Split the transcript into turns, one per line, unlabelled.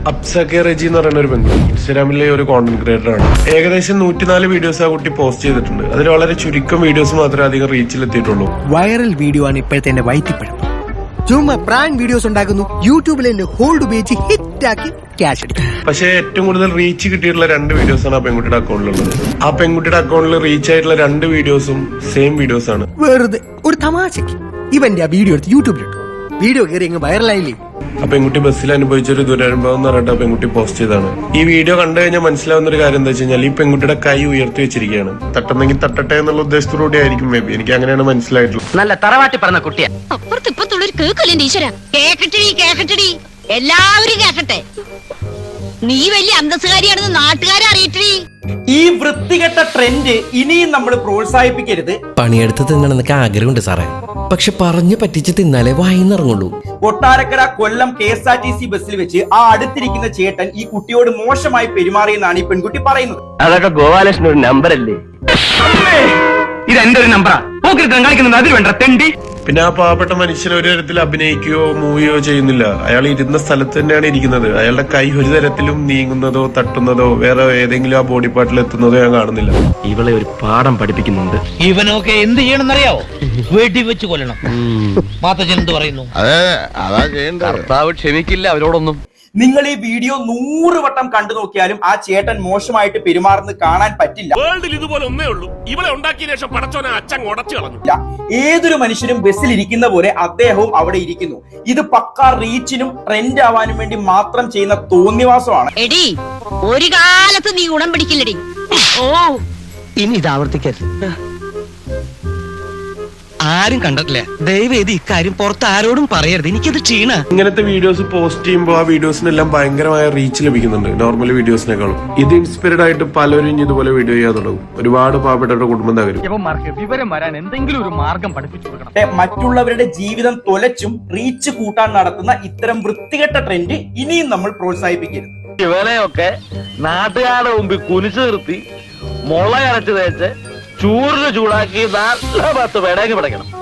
അപ്സക്കെ റെജി എന്ന് പറയുന്ന ഒരു പെൺകുട്ടി ഇൻസ്റ്റാഗ്രാമിലെ ഒരു കോണ്ടന്റ് ക്രിയേറ്റർ ആണ്. ഏകദേശം 104 വീഡിയോസ് ആ കുട്ടി പോസ്റ്റ് ചെയ്തിട്ടുണ്ട്. അതിൽ വളരെ ചുരുക്കം വീഡിയോസ് മാത്രമേ അധികം റീച്ചിൽ എത്തിയിട്ടുള്ളൂ.
വൈറൽ വീഡിയോ ആണ് ഇപ്പോഴത്തെ എന്റെ വൈറ്റിപ്പഴം. ചുമ്മാ പ്രാങ്ക് വീഡിയോസ് ഉണ്ടാക്കുന്നു, യൂട്യൂബിൽ എന്റെ ഹോൾഡ് ഉപയോഗിച്ച് ഹിറ്റാക്കി ക്യാഷ് അടിക്കും.
പക്ഷേ ഏറ്റവും കൂടുതൽ റീച്ച് കിട്ടിയിട്ടുള്ള 2 വീഡിയോസാണ് ആ പെൺകുട്ടിയുടെ അക്കൗണ്ടിലുള്ളത്. ആ പെൺകുട്ടിയുടെ അക്കൗണ്ടിൽ റീച്ച് ആയിട്ടുള്ള 2 വീഡിയോസും സെയിം വീഡിയോസ് ആണ്.
വെറുതെ ഒരു തമാശക്ക് ഇവന്റെ ആ വീഡിയോ എടുത്ത് യൂട്യൂബിലിട്ടു. വീഡിയോ കയറി അങ്ങ് വൈറലായില്ലേ.
ആ പെൺകുട്ടി ബസ്സിൽ അനുഭവിച്ചൊരു ദുരനുഭവം എന്ന് പറഞ്ഞിട്ട് ആ പെൺകുട്ടി പോസ്റ്റ് ചെയ്താണ്. ഈ വീഡിയോ കണ്ടു കഴിഞ്ഞാൽ മനസ്സിലാവുന്ന ഒരു കാര്യം എന്താ വെച്ച് കഴിഞ്ഞാൽ ഈ പെൺകുട്ടിയുടെ കൈ ഉയർത്തി വെച്ചിരിക്കുകയാണ്. തട്ടുന്നെങ്കിൽ തട്ടട്ടെ എന്നുള്ള ഉദ്ദേശത്തോടെ ആയിരിക്കും മേ ബി. എനിക്ക് അങ്ങനെയാണ് മനസ്സിലായിട്ടുള്ളത്.
നല്ല തറവാട്ടി പറഞ്ഞ കുട്ടിയാ.
അപ്പുറത്തിപ്പത്തുള്ളൊരു കേക്കല്ലേ ഈശ്വര. കേക്കട്ടെടി എല്ലാവരും കേക്കട്ടെ. നീ വലിയ അന്തസ്സുകാരിയാണെന്ന് നാട്ടുകാരെ അറിയിട്ടേ.
ഈ വൃത്തികെട്ട ട്രെൻഡ് ഇനിയും നമ്മൾ പ്രോത്സാഹിപ്പിക്കരുത്.
പണിയെടുത്ത് തിന്നണമെന്നൊക്കെ ആഗ്രഹമുണ്ട് സാറേ, പക്ഷെ പറഞ്ഞു പറ്റിച്ച് തിന്നാലേ വായിന്നിറങ്ങുള്ളൂ.
കൊട്ടാരക്കര കൊല്ലം KSRTC ബസ്സിൽ വെച്ച് ആ അടുത്തിരിക്കുന്ന ചേട്ടൻ ഈ കുട്ടിയോട് മോശമായി പെരുമാറിയെന്നാണ് ഈ പെൺകുട്ടി പറയുന്നത്.
അതൊക്കെ ഗോപാലകൃഷ്ണൻ ഒരു നമ്പർ അല്ലേ? ഇത് എന്റെ ഒരു നമ്പറാ. കാണിക്കുന്നത് അതിൽ വേണ്ട തെണ്ടി.
പിന്നെ ആ പാവപ്പെട്ട മനുഷ്യൻ ഒരു തരത്തിൽ അഭിനയിക്കുകയോ മൂവിയോ ചെയ്യുന്നില്ല. അയാൾ ഇരുന്ന സ്ഥലത്ത് തന്നെയാണ് ഇരിക്കുന്നത്. അയാളുടെ കൈ ഒരു തരത്തിലും നീങ്ങുന്നതോ തട്ടുന്നതോ വേറെ ഏതെങ്കിലും ആ ബോഡി പാർട്ടിൽ എത്തുന്നതോ ഞാൻ കാണുന്നില്ല.
ഇവളെ ഒരു പാഠം പഠിപ്പിക്കുന്നുണ്ട്.
ഇവനൊക്കെ എന്ത് ചെയ്യണമെന്നറിയാവോ? വെടി വെച്ച് കൊല്ലണം. മാത്തച്ഛൻ എന്ത് പറയുന്നു?
കർത്താവ് ക്ഷമിക്കില്ല അവരോടൊന്നും.
നിങ്ങൾ ഈ വീഡിയോ 100 വട്ടം കണ്ടു നോക്കിയാലും ആ ചേട്ടൻ മോശമായിട്ട് പെരുമാറുന്നത് കാണാൻ പറ്റില്ല.
ഇതുപോലെ ഒന്നേ ഉള്ളൂ. ഇവളെ ഉണ്ടാക്കിയ ശേഷം പടച്ചോനെ അച്ഛൻ ഉടച്ചു കളഞ്ഞു.
ഏതൊരു മനുഷ്യനും ബസ്സിൽ ഇരിക്കുന്ന പോലെ അദ്ദേഹവും അവിടെ ഇരിക്കുന്നു. ഇത് പക്കാ റീച്ചിനും ട്രെൻഡ് ആവാനും വേണ്ടി മാത്രം ചെയ്യുന്ന തോന്നിവാസമാണ്.
എടി ഒരു കാലത്ത് നീ ഉടം പിടിക്കില്ലടി. ഓ
ഇനി ഇത് ആവർത്തിക്കരുത്. ആരും കണ്ടിട്ടില്ല. ദയവേത് ഇക്കാര്യം പുറത്ത് ആരോടും പറയരുത്. എനിക്കത് ക്ഷീണ.
ഇങ്ങനത്തെ വീഡിയോസ് പോസ്റ്റ് ചെയ്യുമ്പോൾ ആ വീഡിയോസിനെല്ലാം ഭയങ്കരമായ റീച്ച് ലഭിക്കുന്നുണ്ട് നോർമൽ വീഡിയോസിനേക്കാളും. ഇത് ഇൻസ്പയർഡ് ആയിട്ട് പലരും ഇതുപോലെ വീഡിയോ ചെയ്യാൻ തുടങ്ങും. ഒരുപാട് പാവപ്പെട്ടവരുടെ കുടുംബം തകരും.
വിവരം വരാൻ എന്തെങ്കിലും ഒരു മാർഗം പഠിപ്പിച്ചു കൊടുക്കണം.
മറ്റുള്ളവരുടെ ജീവിതം തൊലച്ചും റീച്ച് കൂട്ടാൻ നടത്തുന്ന ഇത്തരം വൃത്തികെട്ട ട്രെൻഡ് ഇനിയും നമ്മൾ പ്രോത്സാഹിപ്പിക്കരുത്.
ഇവനെയൊക്കെ നാട്ടുകാരുടെ മുമ്പിൽ കുനിച്ചു നിർത്തി മുള അരച്ച് തേച്ച് ചൂടിന് ചൂടാക്കി നല്ല 10 പേടങ്ങി പിടയ്ക്കണം.